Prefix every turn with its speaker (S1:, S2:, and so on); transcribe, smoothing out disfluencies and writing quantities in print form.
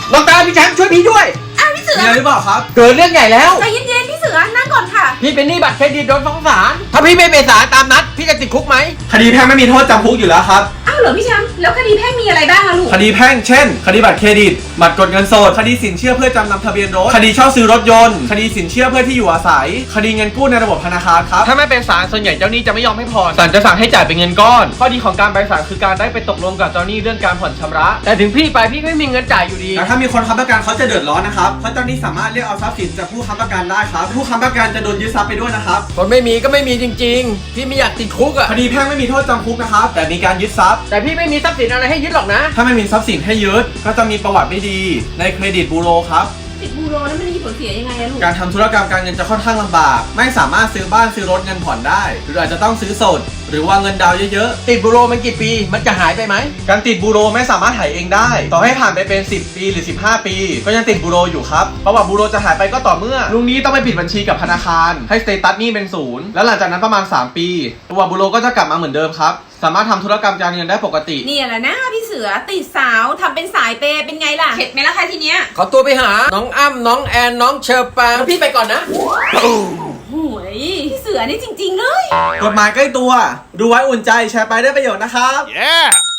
S1: น้องตาพี่แชมป์ช่วยพี่ด้วย
S2: พี่เสือ
S3: มีอะไรหรือเปล่าครับ
S1: เกิดเรื่องใหญ่แล้ว
S2: ใจเย็นๆพี่เสือนั่งก่อนค่ะ
S1: พี่เป็นหนี้บัตรเครดิตโดนฟ้องศาลถ้าพี่ไม่ไปศาลตามนัดพี่จะติดคุกไหม
S3: คดีแพ่งไม่มีโทษจำคุกอยู่แล้วครับ
S2: อ้าวเหรอพี่แชมป์แล้วคดีแพ่งมีอะไรบ้างอะลูก
S3: คดีแพ่งเช่น คดีบัตรเครดิตบัตรกดเงินสดคดีสินเชื่อเพื่อจำนำทะเบียนรถคดีเช่าซื้อรถยนต์คดีสินเชื่อเพื่อที่อยู่อาศัยคดีเงินกู้ในระบบธนาคารครับ
S1: ถ้าไม่เป็นศาลส่วนใหญ่เจ้าหนี้จะไม่ยอมให้ผ่อนศาลจะสั่งให้จ่ายเป็นเงินก้อนข้อดีของการไปศาลคือการได้ไปตกลงกับเจ้าหนี้เรื่องการผ่อนชำระแต่ถึงพี่ไปพี่ก็ไม่มีเงินจ่ายอยู่ดี
S3: แต่ถ้ามีคนค้ำประกันเขาจะเดือดร้อนนะครับเพราะเจ้าหนี้สามารถเรียกเอาทรัพย์สินจากผู้ค้ำประกันได้ครับผู้ค้ำประกันจะโดนยึดทรัพย์ไปด้วยนะครับ
S1: คนไม่มีก็ไม่มีจริงๆพี่ไม่อยากติดคุกอะ
S3: คดีแพ่งไม่มีโทษจำคุกนะครับแต่มีการยึดทรัพย์
S1: แต่พี่ไม่มีทรัพย์สินอะไรให้ยึดหรอกนะ
S3: ถ้าไม่มีทรัพย์สินให้ยึดก็จะมีประวัติไม่ดีในเครดิตบูโรครับ
S2: ติดบูโรนั้นมันมีผลเสียยังไงอะลูก
S3: การทำธุรกรรมการเงินจะค่อนข้างลำบากไม่สามารถซื้อบ้านซื้อรถเงินผ่อนได้ หรืออาจจะต้องซื้อสด หรือวางเงินดาวน์เยอะ
S1: ติดบุโรมันกี่ปีมันจะหายไปไหม
S3: ๆการติดบูโรไม่สามารถหายเองได้ ต่อให้ผ่านไปเป็น 10 ปีหรือ 15 ปี ก็ยังติดบูโรอยู่ครับประวัติบูโรจะหายไปก็ต่อเมื่อลุงนี้ต้องไปปิดบัญชีกับธนาคารให้สเตตัสหนี้เป็นศูนย์แล้วหลังจากนั้นประมาณ 3 ปีประวัติบูโรก็จะกลับมาเหมือนเดิมครับสามารถทำธุรกรรมการเงินได้ปกติ
S2: เนี่ยแหละนะพี่เสือติดสาวทำเป็นสายเปย์เป็นไงล่ะเข็ดไหมล่ะคะทีเนี้ย
S1: ขอตัวไปหาน้องอ้ำน้องแอนน้องเชอร์ปางพี่ไปก่อนนะ
S2: โอ้ยพี่เสือนี่จริงๆเลย
S3: กฎหมายใกล้ตัว ดูไว้อุ่นใจแชร์ไปได้ประโยชน์นะครับ
S4: Yeah!